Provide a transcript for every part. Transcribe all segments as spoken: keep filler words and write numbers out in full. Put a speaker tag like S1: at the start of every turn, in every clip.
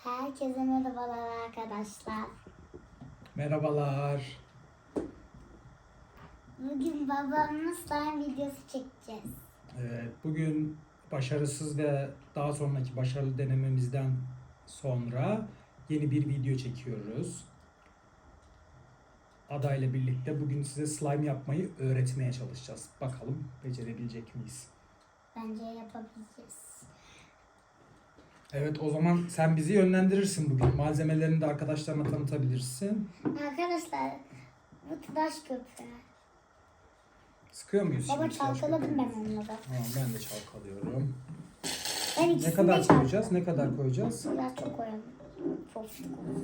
S1: Herkese merhabalar arkadaşlar.
S2: Merhabalar.
S1: Bugün babamla slime videosu çekeceğiz.
S2: Evet, bugün başarısız ve daha sonraki başarılı denememizden sonra yeni bir video çekiyoruz. Ada ile birlikte bugün size slime yapmayı öğretmeye çalışacağız. Bakalım becerebilecek miyiz?
S1: Bence yapabileceğiz.
S2: Evet, o zaman sen bizi yönlendirirsin bugün. Malzemelerini de arkadaşlarına tanıtabilirsin.
S1: Arkadaşlar bu tıraş köpüğü.
S2: Sıkıyor muyuz
S1: Baba
S2: şimdi? tıraş
S1: çalkaladım ben
S2: köpüğümüzü?
S1: onları.
S2: Tamam, ben de çalkalıyorum.
S1: Ben
S2: Ne
S1: ikisini de
S2: kadar
S1: çalkaladım.
S2: koyacağız? Ne kadar koyacağız?
S1: Biraz çok koyalım. Çok sık olsun.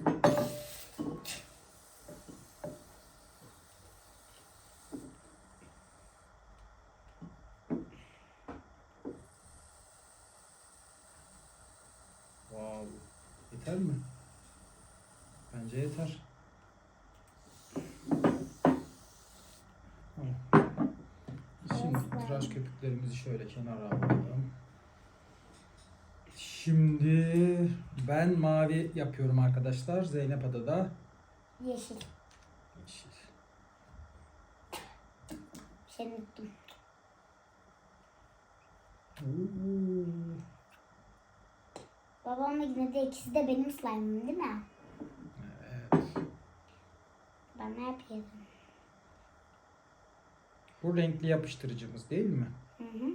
S2: Wow. Yeter mi? Bence yeter. Tamam. Şimdi
S1: Evet,
S2: tıraş köpüklerimizi şöyle kenara alalım. Şimdi ben mavi yapıyorum arkadaşlar. Zeynep Ada da
S1: Yeşil.
S2: yeşil.
S1: Şey unuttum.
S2: Oo.
S1: Babamla yine de ikisi de benim slime'ım değil mi?
S2: Evet.
S1: Ben ne yapayım?
S2: Bu renkli yapıştırıcımız değil mi?
S1: Hı hı.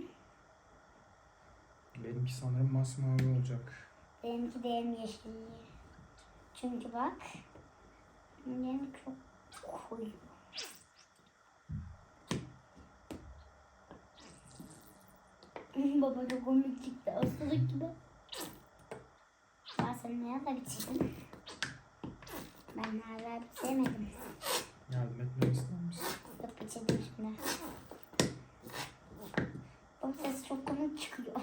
S2: Benimki sanırım masmavi olacak.
S1: Benimki de hem yeşil. Çünkü bak. Benim çok koyu. Baba çok komik çıktı. Hastalık gibi. Ben sen ne kadar bitirdin? Ben hala bitiremedim.
S2: Yardım etmemi ister misin?
S1: Yok bitirdim şimdi. O ses çok komik çıkıyor.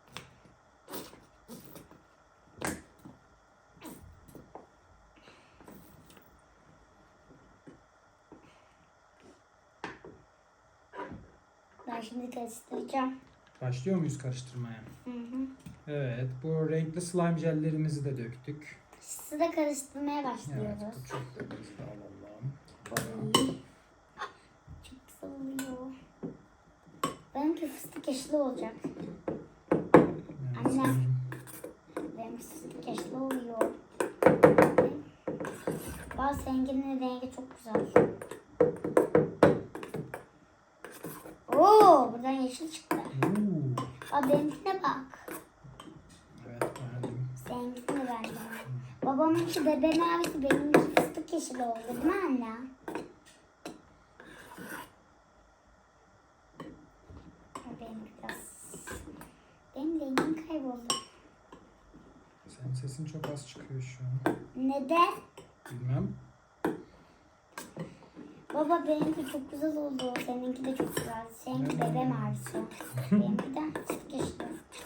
S1: Ben şimdi karıştıracağım.
S2: Başlıyor muyuz karıştırmaya?
S1: Hı hı.
S2: Evet, bu renkli slime jellerimizi de döktük.
S1: Sizi de karıştırmaya
S2: Evet,
S1: başlıyoruz.
S2: bu çok da biz de alalım.
S1: Çok güzel oluyor. Benimki fıstık yeşili olacak.
S2: Evet,
S1: Anne.
S2: sanırım.
S1: Benim fıstık yeşili oluyor. Bazı renginin rengi çok güzel. Oo, buradan yeşil çıktı.
S2: Oo.
S1: Aa, benimkine bak.
S2: Evet, beğendim.
S1: Seninkini beğendim. Babamınki bebe mavisi, benimki fıstık yeşili oldu değil mi anne? Benim biraz... Benim rengim kayboldu.
S2: Senin sesin çok az çıkıyor şu an.
S1: Neden?
S2: Bilmem.
S1: Baba benimki çok güzel oldu. Seninki de çok güzel. Seninki
S2: Hmm.
S1: bebe mavisi. Benimki de fıstık yeşili.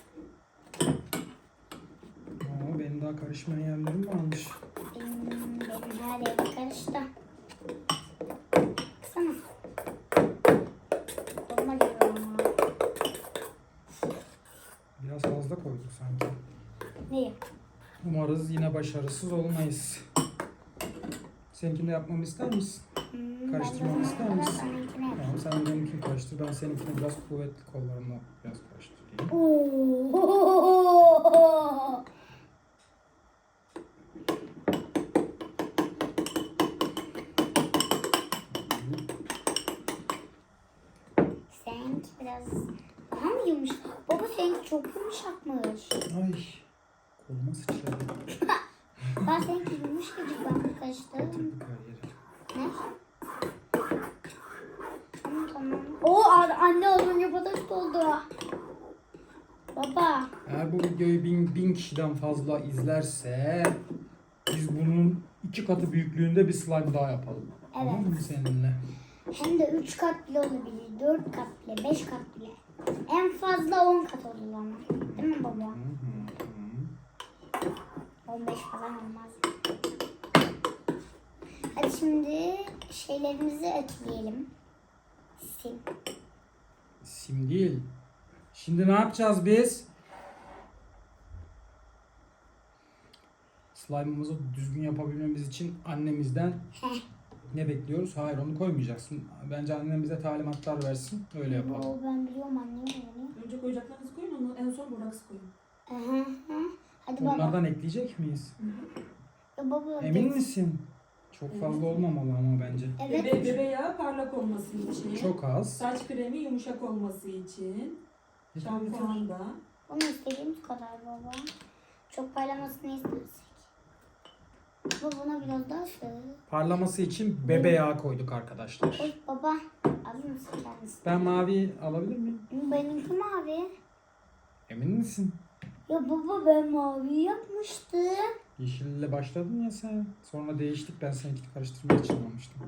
S2: Aa, benim daha karışmayan yerlerim varmış.
S1: Benim, benim her yerim karıştı. Baksana. Koluma giriyor ama.
S2: Biraz fazla koyduk sanki.
S1: Neyi?
S2: Umarız yine başarısız olmayız. Seninkini de yapmamı ister misin?
S1: Hmm,
S2: Karıştırmamı
S1: ben de o
S2: ister
S1: zamana kadar
S2: misin?
S1: seninkini yapayım.
S2: Tamam, sen benimkini karıştır. Ben seninkini biraz kuvvetli kollarımla biraz karıştırayım.
S1: Oo. Seninki biraz daha mı yumuşak? Baba seninki çok yumuşakmış.
S2: Ay, koluma sıçradı.
S1: Ben seninki yumuşacık, ben karıştırdım.
S2: Batırdık her yeri.
S1: Ne? Tamam tamam. Oo, anne olunca patates oldu. Baba.
S2: Eğer bu videoyu bin, bin kişiden fazla izlerse biz bunun iki katı büyüklüğünde bir slime daha yapalım.
S1: Evet.
S2: Tamam mı seninle?
S1: Hem de üç kat bile olabilir, dört kat bile, beş kat bile. En fazla on kat olur ama. Değil mi baba?
S2: Hı hı hı.
S1: on beş falan olmaz. Hadi şimdi şeylerimizi ekleyelim. Sim.
S2: Sim değil. Şimdi ne yapacağız biz? slime'ımızı düzgün yapabilmemiz için annemizden
S1: Heh.
S2: ne bekliyoruz? Hayır, onu koymayacaksın. Bence annem bize talimatlar versin. Öyle yapalım.
S1: Oo, ben biliyorum annem onu.
S3: Önce koyacaklarınızı koyun, onu en son boraks koyun.
S1: Hı hı. Hadi baba.
S2: Onlardan ekleyecek miyiz?
S1: Ya baba.
S2: Emin
S1: geç.
S2: misin? Çok fazla olmamalı ama bence.
S1: Evet.
S3: Bebe, bebe yağı parlak olması için.
S2: Çok az.
S3: Saç kremi yumuşak olması için. Şampuan da.
S1: Bunu istediğimiz kadar baba. Çok parlamasını istersek. Baba buna biraz daha sür.
S2: Parlaması için bebe yağı koyduk arkadaşlar.
S1: Oy baba. Alır mısın kendisi?
S2: Ben mavi alabilir miyim?
S1: Benimki mavi.
S2: Emin misin?
S1: Ya baba ben mavi yapmıştım.
S2: Yeşille başladın ya sen. Sonra değiştik. Ben seninkini karıştırmaya için almıştım.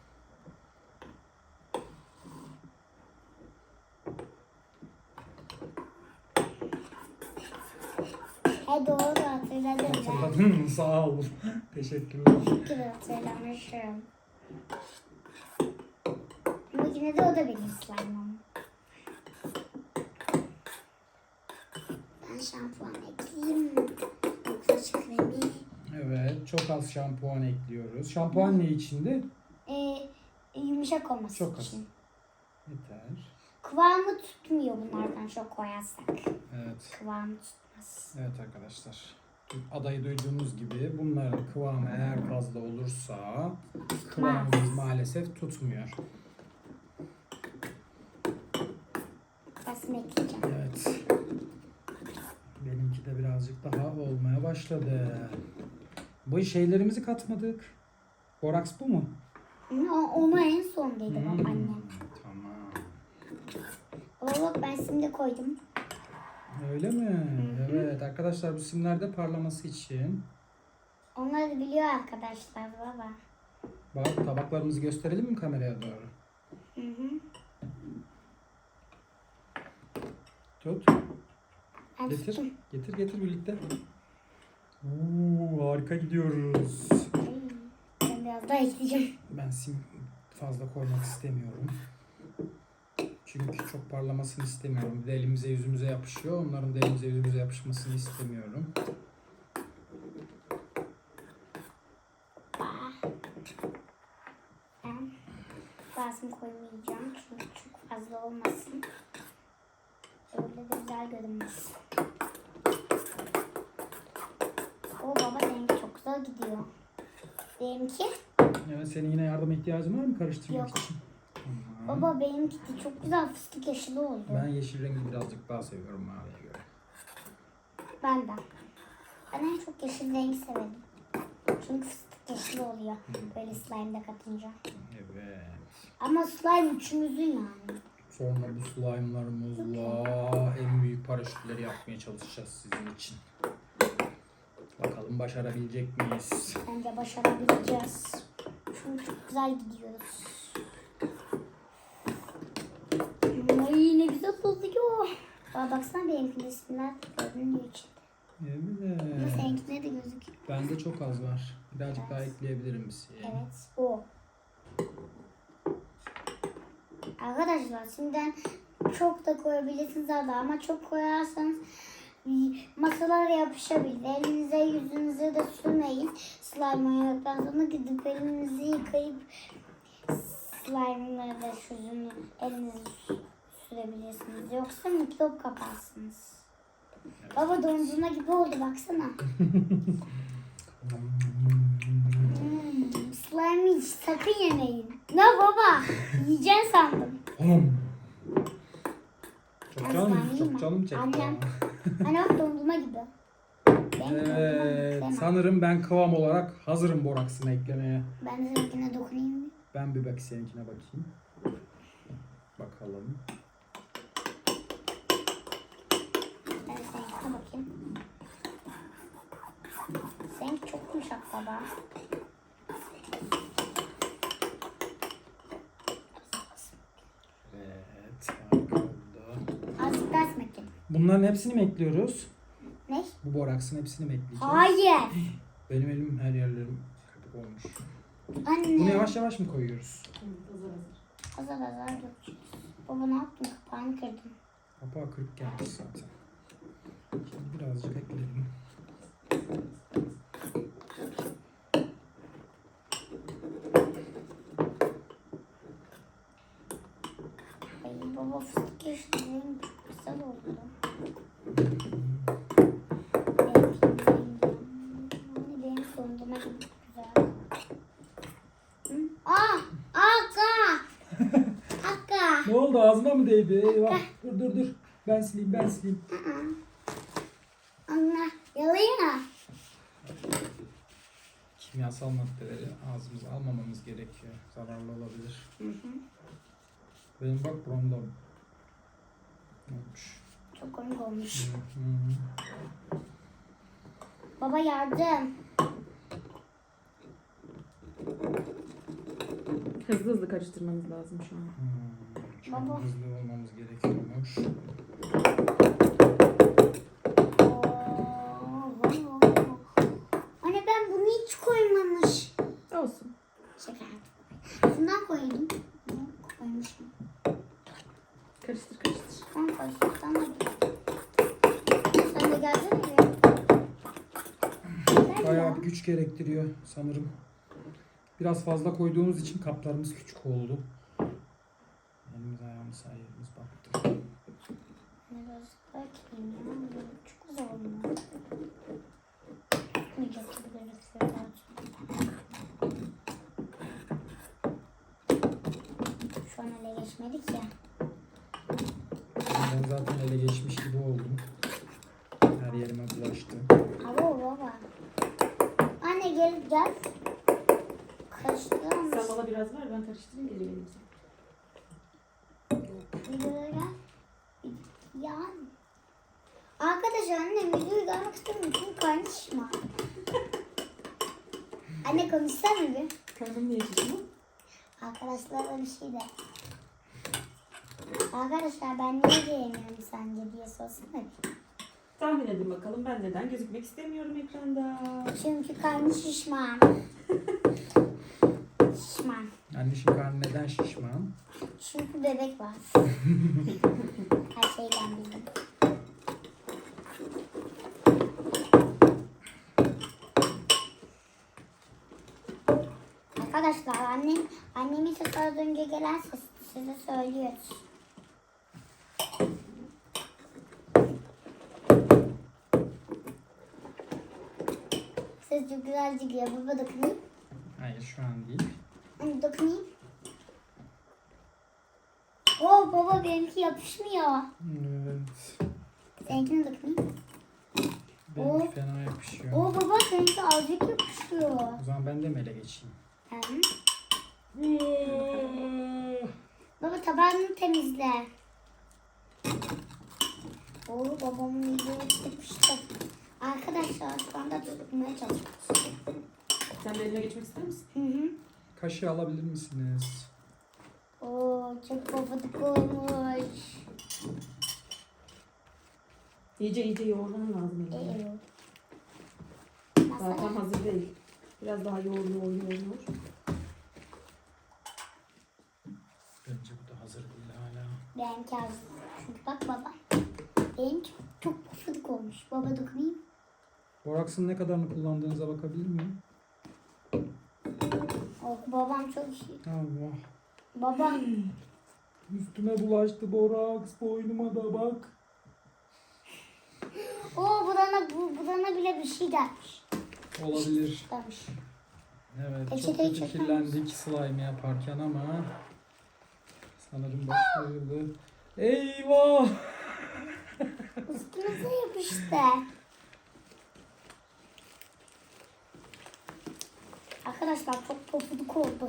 S1: He doğru hatırladım ben.
S2: Hatırladın mı? Sağ ol. Teşekkürler.
S1: Teşekkür hatırlamışım. Ama yine de o da benim slime'ım. Ben şampuan ekleyeyim. Yoksa saç kremi.
S2: Evet. Çok az şampuan ekliyoruz. Şampuan ne içindi?
S1: Ee, yumuşak olması
S2: Çok az.
S1: için.
S2: Yeter.
S1: Kıvamı tutmuyor bunlardan çok koyarsak.
S2: Evet.
S1: Kıvamı tutmaz.
S2: Evet arkadaşlar. Adayı duyduğunuz gibi bunların kıvamı eğer fazla olursa kıvamımız maalesef tutmuyor.
S1: Basını ekleyeceğim.
S2: Evet. Benimki de birazcık daha olmaya başladı. Bu şeylerimizi katmadık. Boraks bu mu?
S1: Hı, o- Onu en son dedi
S2: Hmm,
S1: bak annem.
S2: Tamam.
S1: Baba bak ben şimdi koydum.
S2: Öyle mi? Evet arkadaşlar, bu simler de parlaması için.
S1: Onları biliyor arkadaşlar baba.
S2: Bak, tabaklarımızı gösterelim mi kameraya doğru?
S1: Hı hı.
S2: Tut.
S1: Ben
S2: Getir.
S1: tuttum.
S2: Getir getir birlikte. Oo, harika gidiyoruz.
S1: Ay, ben biraz daha ekleyeceğim.
S2: Ben sim fazla koymak istemiyorum. Çünkü çok parlamasını istemiyorum. Bir de elimize yüzümüze yapışıyor. Onların da elimize yüzümüze yapışmasını istemiyorum.
S1: Ben bazını koymayacağım çünkü çok fazla olmasın. Öyle de güzel görünmez. O baba seninki çok güzel gidiyor. Benimki?
S2: Evet, senin yine yardıma ihtiyacın var mı karıştırmak
S1: Yok.
S2: için? Tamam.
S1: Baba benimki de çok güzel fıstık yeşili oldu.
S2: Ben yeşil rengi birazcık daha seviyorum maviye göre.
S1: Ben de. Ben en çok yeşil rengi severim. Çünkü fıstık yeşili oluyor. Böyle slime'da katınca.
S2: Evet.
S1: Ama slime üçümüzün yani.
S2: Sonra bu slime'larımızla en büyük paraşütleri yapmaya çalışacağız sizin için. Bakalım başarabilecek miyiz?
S1: Bence başarabileceğiz. Çünkü çok güzel gidiyoruz. Ay ne güzel oluyor. Aa, baksana benimkinde isimler görünüyor içinde. Ama
S2: Evet.
S1: seninkinde de gözüküyor.
S2: Bende çok az var. Birazcık daha ekleyebilirim bir şey.
S1: Evet o. Arkadaşlar şimdiden çok da koyabilirsiniz arada ama çok koyarsanız masalara yapışabilir. Elinize yüzünüze de sürmeyin. Slime yaptıktan sonra gidip elinizi yıkayıp slime'ları da yüzünü elinize sürebilirsiniz. Yoksa mikrop kaparsınız. Baba dondurma gibi oldu baksana. Hmm, slime hiç sakın yemeyin. Ne baba? Yiyeceksin sandım.
S2: Hom. Çok
S1: Ben
S2: canım,
S1: slime yiyeyim mi?
S2: çok canım çekti.
S1: Annem. Hani bak dondurma gibi. Ben de dondurma
S2: Evet,
S1: sevmem.
S2: sanırım ben kıvam olarak hazırım boraksını eklemeye.
S1: Ben de seninkine dokunayım mı?
S2: Ben bir bak seninkine bakayım. Bakalım.
S1: Ben de seninkine bakayım. Seninki çok yumuşak baba.
S2: Evet, harika oldu.
S1: Azıcık daha esmek yedim.
S2: Bunların hepsini mi ekliyoruz?
S1: Ne?
S2: Bu boraksın hepsini mi ekleyeceğiz?
S1: Hayır.
S2: Benim elim her yerlerim köpük olmuş.
S1: Anne.
S2: Bunu yavaş yavaş mı koyuyoruz?
S3: Evet, hazır hazır.
S1: Azar azar dökeceğiz. Baba ne yaptın? Kapağını kırdın.
S2: Kapağı kırık gelmiş zaten. Şimdi birazcık ekledim.
S1: Baba fıstık yeşilliğim çok güzel oldu. Benim, benim sonduma çok güzel. Hı? Aa! Akka! Akka!
S2: Ne oldu, ağzıma mı değdi? Eyvah. Dur dur dur. Ben sileyim ben sileyim.
S1: Anne yalayın mı?
S2: Kimyasal maddeleri ağzımıza almamamız gerekiyor. Zararlı olabilir.
S1: Hı hı.
S2: Benim bak buramda olmuş.
S1: Çok komik olmuş.
S2: Hı hı.
S1: Baba yardım.
S3: Hızlı hızlı karıştırmanız lazım şu an.
S2: Hmm, şu an
S1: Baba.
S2: hızlı olmamız gerekiyormuş.
S1: Oo. Anne ben bunu hiç koymamış.
S3: Olsun.
S1: Şaka yaptım. Bundan koydum. Bunu koymuşum.
S3: Karıştır karıştır.
S1: Sen koy. Sen de. Sen de gelsene ya. Gel
S2: Bayağı
S1: ya.
S2: bir güç gerektiriyor sanırım. Biraz fazla koyduğumuz için kaplarımız küçük oldu. Elimiz ayağımız her yerimiz battı.
S1: Biraz bakayım ya. Çok güzel olmuş. Tutmayacak gibi gözüküyor. Şu an ele geçmedik ya.
S2: Ben zaten ele geçmiş gibi oldum. Her yerime bulaştı.
S1: Alo baba. Anne gel gel. Karıştıralım.
S3: Sen bana biraz ver, ben karıştırayım, geri vereyim sana.
S1: Videoya gel. Yani. Arkadaşlar annem videoyu görmek istemiyor çünkü karnışma. Anne konuşsana bir.
S3: Karnım niye şişiyor?
S1: Arkadaşlarla bir şey de. Arkadaşlar ben niye diyemiyorum sence diye sorsana bir.
S3: Tahmin edin bakalım, ben neden gözükmek istemiyorum ekranda.
S1: Çünkü karnı şişman. Şişman.
S2: Anneciğim karnı neden şişman?
S1: Çünkü bebek var. Her şeyden bildim. Arkadaşlar annem, annemin sesi az önce gelen ses size söylüyoruz. Ses çok güzel çıkıyor. Baba dokunayım.
S2: Hayır şu an değil.
S1: Anne dokunayım. Oo baba benimki yapışmıyor.
S2: Evet.
S1: Seninkine dokunayım.
S2: Benimki
S1: Oo.
S2: fena yapışıyor.
S1: Oo baba seninki azıcık yapışıyor.
S2: O zaman ben de mi ele geçeyim?
S1: Hı.
S2: Ah!
S1: Baba tabağını temizle. Oo babamın videoyu çıkmıştı. Arkadaşlar şu anda tutmaya çalışıyoruz.
S3: Sen de eline geçmek ister misin?
S1: Hı hı.
S2: Kaşığı alabilir misiniz?
S1: Oo çok papadık olmuş.
S3: İyice iyice yoğurman lazım eline.
S1: Ee,
S3: Daha tam
S1: Masaya.
S3: hazır değil. Biraz daha yoğur yoğur yoğur yoğur.
S2: Bence bu da hazır değil hala.
S1: Benimki az. Çünkü bak baba. Benimki çok papadık olmuş. Baba dokunayım.
S2: Boraksın ne kadarını kullandığınıza bakabilir miyim?
S1: Oh babam çok iyi.
S2: Allah.
S1: Baba.
S2: Üstüme bulaştı boraks. Boynuma da bak.
S1: Oo budana, bu, budana bile bir şey gelmiş.
S2: Olabilir.
S1: Gelmiş.
S2: Evet, çok
S1: Peçeteyi
S2: kötü
S1: çeker
S2: kirlendik slime yaparken ama sanırım başarılı. Eyvah!
S1: Üstümüze yapıştı. Arkadaşlar çok pofuduk oldu.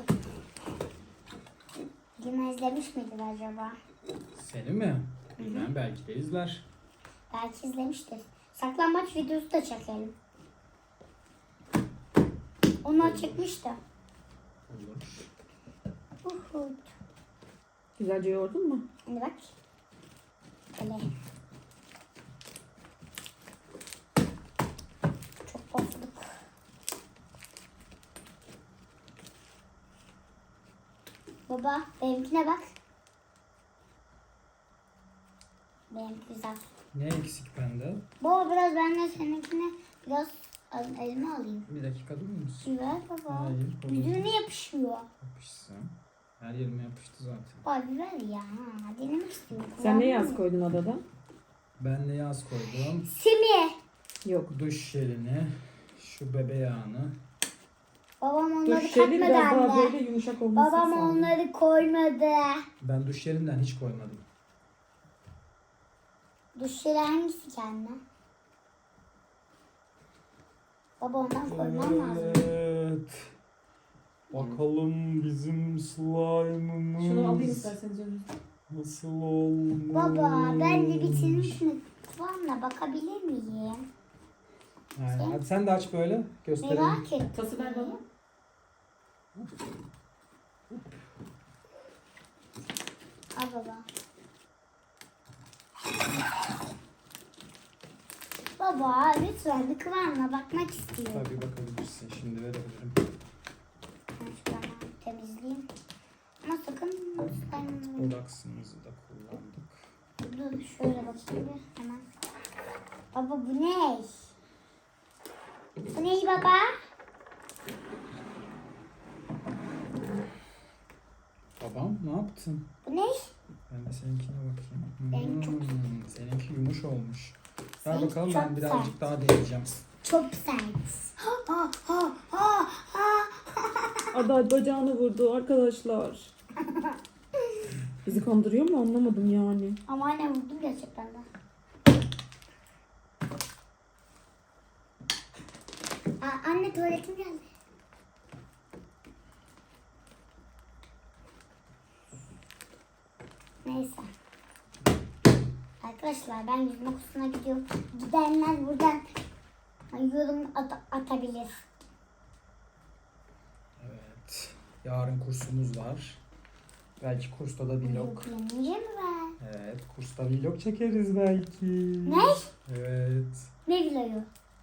S1: Yine izlemiş midir acaba?
S2: Seni mi? Bilmem, belki de izler.
S1: Belki izlemiştir. Saklambaç videosu da çekelim. Onlar çekmişti.
S2: Olur.
S1: Uhu.
S3: Güzelce yoğurdun mu?
S1: Hadi bak. Böyle. Çok pofuduk. Baba benimkine bak. Benimki güzel.
S2: Ne eksik bende?
S1: Baba biraz ben de seninkine biraz al- elime alayım.
S2: Bir dakika durur musun?
S1: Ver baba.
S2: Hayır. olur.
S1: Yüzüne yapışıyor.
S2: Yapışsın. Her yerime yapıştı zaten.
S1: Abi ver ya. Denemek istiyorum.
S3: Sen ne yaz
S1: Kullanmam.
S3: koydun adada?
S2: Ben de yaz koydum.
S1: Simi.
S3: Yok.
S2: Duş jelini, şu bebe yağını.
S1: Babam onları
S3: Duş jeli
S1: katmadı
S3: biraz daha
S1: anne.
S3: böyle yumuşak olmasını
S1: Babam
S3: sağlıyor.
S1: onları koymadı.
S2: Ben duş jelinden hiç koymadım.
S1: Duş jeli hangisi ki anne? Baba ondan koymam lazım.
S2: Evet. Bakalım bizim slime'ımız
S3: Şunu alayım isterseniz önünüzde.
S2: nasıl olmuş.
S1: Baba ben de bitirmişim. Kıvamına bakabilir miyim?
S2: Aynen. Hadi sen de aç böyle. Gösterelim.
S1: Merak ettim.
S3: Tası ver bana.
S1: Al baba. Baba lütfen bir kıvamına bakmak istiyorum.
S2: Tabii bakabilirsin. Şimdi verebilirim.
S1: Ben şuradan temizleyeyim. Ama sakın ben...
S2: Boraksımızı da kullandık.
S1: Dur şöyle bakayım bir hemen. Baba bu ne? Bu ne baba?
S2: Babam ne yaptın?
S1: Bu ne?
S2: Ben de seninkine bakayım.
S1: Ben çok-
S2: Hmm, seninki yumuş olmuş. Ver
S1: Seninki
S2: bakalım
S1: çok
S2: ben birazcık
S1: sert.
S2: daha deneyeceğim.
S1: Çok sert. Ha, ha, ha, ha.
S3: Ada bacağını vurdu arkadaşlar. Bizi kandırıyor mu anlamadım yani.
S1: Ama anne vurdum gerçekten de. Aa, anne tuvaletim geldi. Neyse. Arkadaşlar ben yüzme kursuna gidiyorum. Gidenler buradan yorum at- atabilir.
S2: Evet. Yarın kursumuz var. Belki kursta da vlog.
S1: Yüklenince mi ben?
S2: Evet. Kursta vlog çekeriz belki.
S1: Ne?
S2: Evet.
S1: Ne vlogu?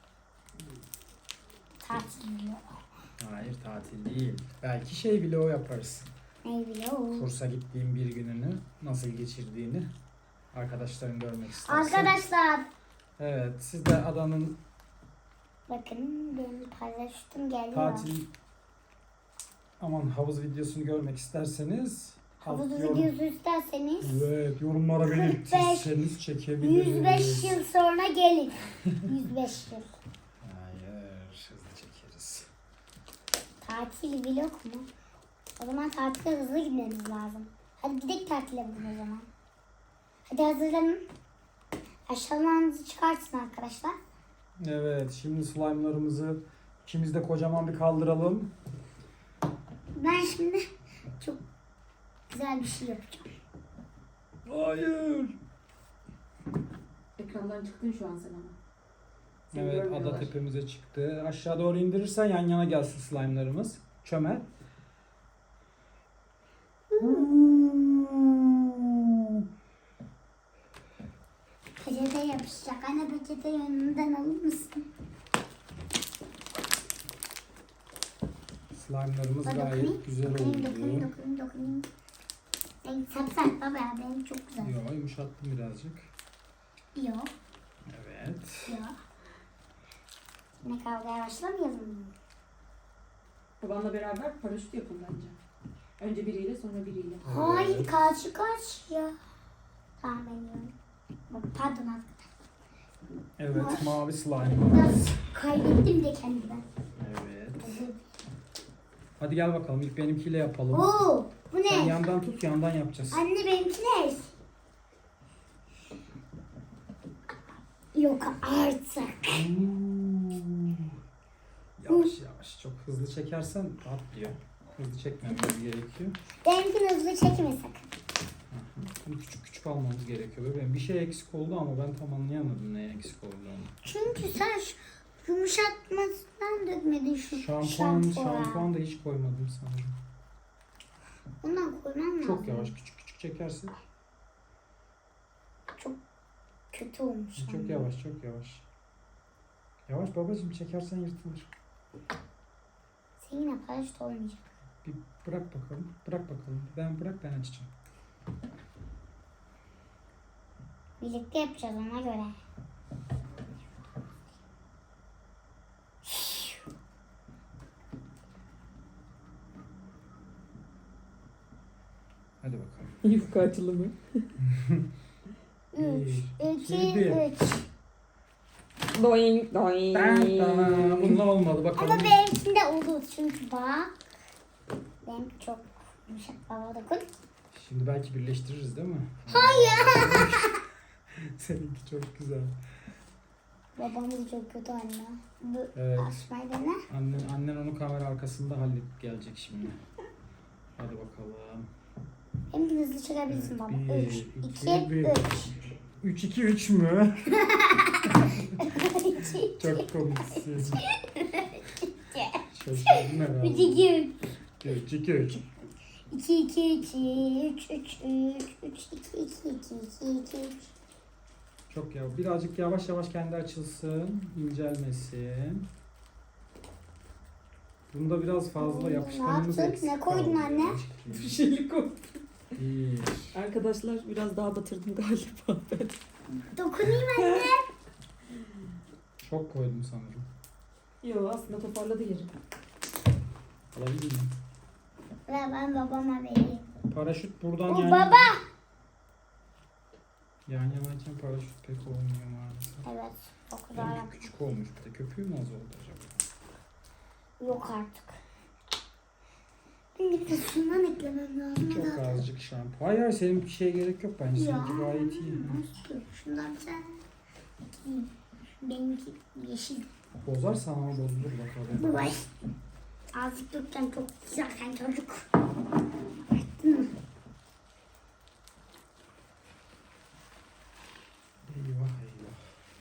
S1: Tatil vlogu.
S2: Hayır tatil değil. Belki şey vlog yaparız.
S1: Ne vlogu?
S2: Kursa gittiğim bir gününü nasıl geçirdiğini arkadaşların görmek isterse.
S1: Arkadaşlar
S2: Evet. Siz de adanın
S1: bakın benim paylaştım geliyor.
S2: tatil aman havuz videosunu görmek isterseniz
S1: Havuz
S2: alt yorum-
S1: videosu isterseniz
S2: Evet, yorumlara
S1: kırk beş,
S2: belirtirseniz çekebiliriz.
S1: yüz beş yıl sonra gelin. yüz beş yıl.
S2: Hayır, hızlı çekeriz.
S1: Tatil vlog mu? O zaman tatile hızlı gitmemiz lazım. Hadi gidelim tatile bugün o zaman. Hadi hazırlanın. Aşağılarınızı çıkartın arkadaşlar.
S2: Evet, şimdi slime'larımızı ikimiz de kocaman bir kaldıralım.
S1: Ben şimdi çok güzel bir şey yapacağım.
S2: Hayır.
S3: Ekrandan çıktın şu an sen ama. Seni
S2: Evet, ada
S3: görmüyorlar.
S2: tepemize çıktı. Aşağı doğru indirirsen yan yana gelsin slime'larımız. Çömel.
S1: Peçete yapışacak. Anne peçete yanından alır mısın?
S2: Slime'larımız
S1: Hadi
S2: gayet
S1: dokunayım.
S2: güzel
S1: Dokunayım,
S2: oldu.
S1: dokunayım, dokunayım, dokunayım. Ben sert sert baba ya. Benim çok güzel.
S2: Yo, yumuşattım birazcık.
S1: Yok.
S2: Evet.
S1: Yok. Yine kavgaya başlamayalım mı?
S3: Babanla beraber paraşüt yapın bence. Önce biriyle sonra biriyle.
S1: Hayır
S2: Evet.
S1: karşı karşıya. Tamam ben yiyorum. Bak, pardon arkadaşlar.
S2: Evet, mavi
S1: Biraz
S2: slime'ımız.
S1: kaybettim de kendimden.
S2: Evet.
S1: Özür dilerim.
S2: Hadi gel bakalım ilk benimkiyle yapalım.
S1: Oo, bu
S2: Sen
S1: ne?
S2: yandan tut, yandan yapacağız.
S1: Anne benimki ne? Yok artık.
S2: Hmm. Yavaş yavaş, çok hızlı çekersen patlıyor. Hızlı çekmemiz gerekiyor.
S1: Benimkini hızlı çekme sakın.
S2: Bunu küçük küçük almamız gerekiyor. Bebeğim bir şey eksik oldu ama ben tam anlayamadım neye eksik olduğunu.
S1: Çünkü sen şu yumuşatmasından dökmedin şu
S2: Şampuan,
S1: şampuanı.
S2: şampuan da hiç koymadım sanırım.
S1: Ondan koymam lazım.
S2: Çok yavaş, küçük küçük çekersek.
S1: Çok kötü olmuş.
S2: Çok
S1: anne.
S2: yavaş, çok yavaş. Yavaş babacığım, çekersen yırtılır.
S1: Seninle paraşüt olmayacak.
S2: Bir bırak bakalım, bırak bakalım. Ben bırak, ben açacağım.
S1: Birlikte yapacağız ona göre.
S3: Yufka açılımı.
S1: Üç,
S2: iki,
S1: iki,
S2: bir.
S1: üç.
S3: Doing doing.
S2: Ben tamam. Bununla olmadı bakalım.
S1: Ama benimkinde olur çünkü bak. Benim çok yumuşak baba dokun.
S2: Şimdi belki birleştiririz değil mi?
S1: Hayır.
S2: Seninki çok güzel.
S1: Babam da çok kötü anne. Bu
S2: Evet.
S1: açmayı dene.
S2: Annen, annen onu kamera arkasında halledip gelecek şimdi. Hadi bakalım.
S1: Hem de hızlı çekebilirsin baba.
S2: Bir,
S1: Üç,
S2: iki,
S1: iki,
S2: bir.
S1: üç.
S2: üç iki üç mü?
S1: Üç, iki,
S2: Çok komiksin. Şaşırdım herhalde.
S1: üç, iki, üç.
S2: üç iki üç.
S1: iki, iki, iki, üç, üç, üç, üç, iki, iki, iki, iki, iki, üç.
S2: Çok ya. Birazcık yavaş yavaş kendi açılsın. İncelmesin. Bunda biraz fazla
S1: Ne
S2: yapışkanımız
S1: yaptın?
S2: eksik
S1: Ne koydun
S2: kaldı.
S1: anne?
S3: Bir şeylik o.
S2: Bir.
S3: Arkadaşlar biraz daha batırdım galiba ben.
S1: Dokunayım anne.
S2: Çok koydum sanırım.
S3: Yo aslında toparladı yeri.
S2: Alabilir miyim?
S1: Ve ben babama vereyim.
S2: Paraşüt buradan
S1: O
S2: yan
S1: baba.
S2: Yan yanayken paraşüt pek olmuyor maalesef.
S1: Evet. O kadar
S2: Benimki
S1: yap-
S2: küçük olmuş bir de. Köpüğü mü az oldu acaba?
S1: Yok artık. Benim de şundan eklemem lazım.
S2: Çok
S1: da.
S2: azıcık şampuan. Hayır hayır senin bir şeye gerek yok bence.
S1: Ya.
S2: Seninki gayet iyi.
S1: Nasıl? Şundan sen. Benimki yeşil.
S2: Bozarsan ama bozulur bakalım.
S1: Baba. Azıcık dökten çok güzelken çocuk.
S2: Eyvah eyvah.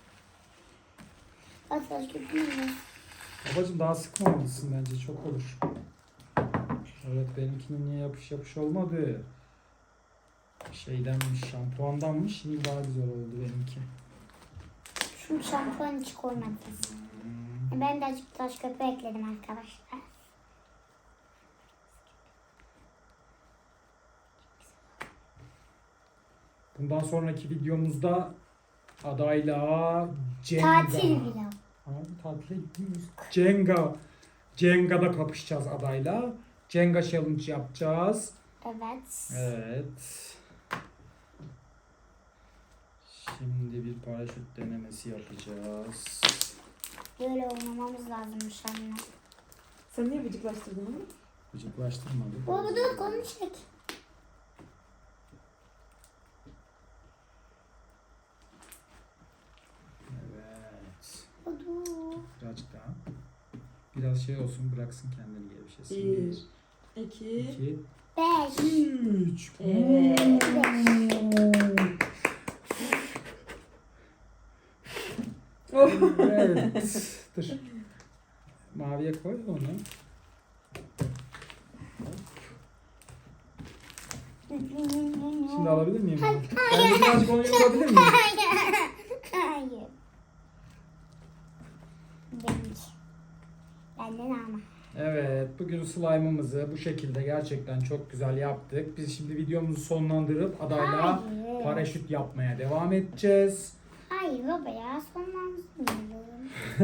S1: Asla köpüğüm.
S2: Babacım daha sıkmamalısın bence çok olur. Evet benimkinin niye yapış yapış olmadı? Şeydenmiş şampuandanmış şimdi daha güzel oldu benimki.
S1: Şu şampuan hiç koymadım. Ben de azıcık taş köpüğü ekledim arkadaşlar.
S2: Bundan sonraki videomuzda adayla Cenga.
S1: Tatil vlog.
S2: Abi tatile gitmiyoruz. Cenga. Cenga'da kapışacağız adayla. Cenga challenge yapacağız.
S1: Evet.
S2: Evet. Şimdi bir paraşüt denemesi yapacağız.
S1: Böyle oynamamız lazımmış anne.
S3: Sen niye bıcıklaştırdın onu?
S2: Gıcıklaştırmadık.
S1: Baba dur konu çek.
S2: Evet.
S1: Baba dur.
S2: Birazcık daha. Biraz şey olsun bıraksın kendini gevşesin.
S3: Bir, iki,
S2: iki,
S1: Beş.
S2: üç.
S3: Evet. Oh.
S2: Evet. Dur. Maviye koy onu. Şimdi alabilir miyim? onu? Ben de birazcık onu yapabilir miyim?
S1: Hayır. Benimki. Benden ama.
S2: Evet, bugün slime'ımızı bu şekilde gerçekten çok güzel yaptık. Biz şimdi videomuzu sonlandırıp adayla
S1: Hayır.
S2: paraşüt yapmaya devam edeceğiz.
S1: Hayır baba ya sonlanmıyorum.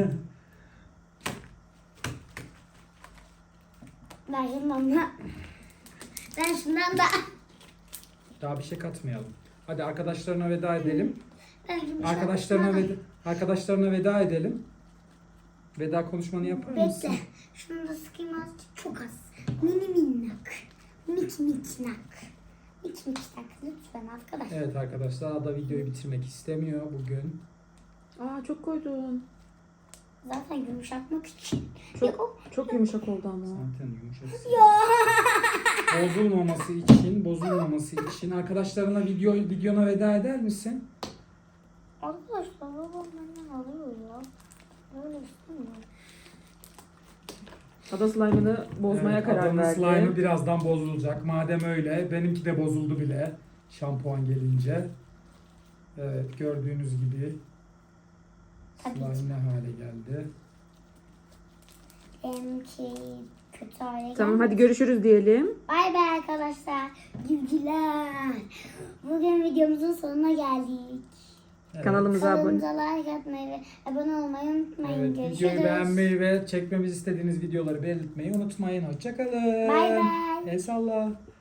S1: Ben şundan da. Ben şundan da.
S2: Daha bir şey katmayalım. Hadi arkadaşlarına veda edelim.
S1: Ben yumuşak
S2: Arkadaşlarına
S1: şundan-
S2: veda, arkadaşlarına veda edelim. Veda konuşmanı yapar mısın?
S1: Bekle. Şunu da sıkayım azıcık. Çok az. Mini minnak. Mik miknak. Mik miknak. Lütfen arkadaşlar.
S2: Evet arkadaşlar, Ada videoyu bitirmek istemiyor bugün.
S3: Aa çok koydun.
S1: Zaten yumuşatmak için.
S3: Çok-
S1: Yok.
S3: Çok yumuşak oldu ama.
S2: Zaten yumuşak.
S1: Ya.
S2: Bozulmaması için, bozulmaması için arkadaşlarına video videona veda eder misin?
S1: Arkadaşlar babam benden alıyor ya. Böyle istemiyorum.
S3: Ada slime'ını bozmaya
S2: Evet,
S3: karar
S2: Ada'nın
S3: verdi.
S2: slime'ı birazdan bozulacak. Madem öyle, benimki de bozuldu bile şampuan gelince. Evet, gördüğünüz gibi
S1: Tabii
S2: slime
S1: ki.
S2: ne hale geldi.
S1: Benimki kötü hale
S3: Tamam
S1: geldi.
S3: hadi görüşürüz diyelim.
S1: Bay bay arkadaşlar. Güvciler. Bugün videomuzun sonuna geldik.
S2: Evet.
S3: Kanalımıza abone.
S1: Kanalımıza like atmayı ve abone olmayı unutmayın.
S2: Evet,
S1: Görüşürüz.
S2: videoyu beğenmeyi ve çekmemizi istediğiniz videoları belirtmeyi unutmayın. Hoşçakalın.
S1: Bay bay.
S2: El salla.